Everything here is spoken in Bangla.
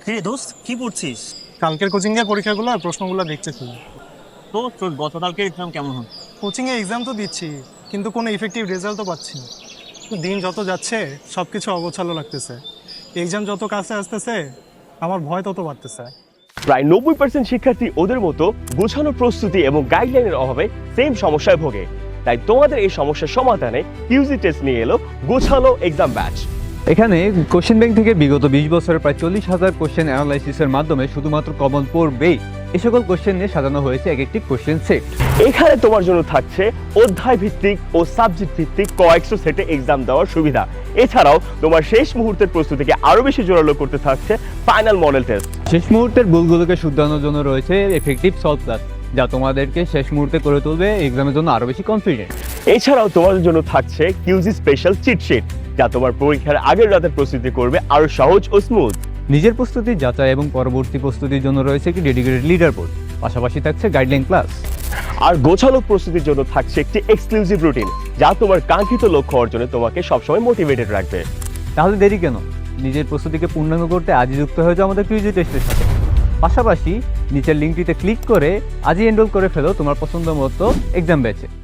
কিরে দোস্ত, কি পড়ছিস? কালকের কোচিং এর পরীক্ষাগুলো আর প্রশ্নগুলো দেখতেছি। তো তোর গতকালকের এক্সাম কেমন হল? কোচিং এ এক্সাম তো দিচ্ছি, কিন্তু কোনো ইফেক্টিভ রেজাল্ট তো পাচ্ছি না। দিন যত যাচ্ছে সব কিছু অগোছালো লাগতেছে। এক্সাম যত কাছে আসতেছে আমার ভয় তত বাড়তেছে। প্রায় 90% শিক্ষার্থী ওদের মতো গোছানো প্রস্তুতি এবং গাইডলাইনের অভাবে সেম সমস্যায় ভোগে। তাই তোমাদের এই সমস্যার সমাধানে কিউজি টেস্ট নিয়ে এলো গোছালো এক্সাম ব্যাচ। এখানে কোশ্চেন ব্যাংক থেকে বিগত 20 বছরের প্রায় 40,000 কোশ্চেন অ্যানালাইসিসের মাধ্যমে শুধুমাত্র কমন পড়বেই এই সকল কোশ্চেন নিয়ে সাজানো হয়েছে এক একটি কোশ্চেন সেট। এখানে তোমার জন্য থাকছে অধ্যায় ভিত্তিক ও সাবজেক্ট ভিত্তিক কয়েকশো সেটে এক্সাম দেওয়ার সুবিধা। এছাড়াও তোমার শেষ মুহূর্তের প্রস্তুতিকে আরো বেশি জোরালো করতে থাকছে ফাইনাল মডেল টেস্ট। শেষ মুহূর্তের ভুলগুলোকে শুধরানোর জন্য রয়েছে এফেক্টিভ সলভ ক্লাস, যা তোমাদেরকে শেষ মুহূর্তে করে তুলবে এক্সামের জন্য আরো বেশি কনফিডেন্ট। এছাড়াও তোমাদের জন্য থাকছে কিউজি স্পেশাল চিটশিট, যা তোমার পরীক্ষার আগের রাতের প্রস্তুতি করবে আরো সহজ ও স্মুথ। নিজের প্রস্তুতি যাচাই এবং পরবর্তী প্রস্তুতির জন্য রয়েছে একটি ডেডিকেটেড লিডার বোর্ড, পাশাপাশি থাকছে গাইডলাইন ক্লাস। আর গোছালো প্রস্তুতির জন্য থাকছে একটি এক্সক্লুসিভ রুটিন, যা তোমার কাঙ্ক্ষিত লক্ষ্য অর্জনে তোমাকে সবসময় মোটিভেটেড রাখবে। তাহলে দেরি কেন? নিজের প্রস্তুতিকে পূর্ণাঙ্গ করতে আজই যুক্ত হয়ে যাও আমাদের কিউজি টেস্টের সাথে। পাশাপাশি নিচের লিঙ্কটিতে ক্লিক করে আজই এনরোল করে ফেলো তোমার পছন্দ মতো এক্সাম ব্যাচে।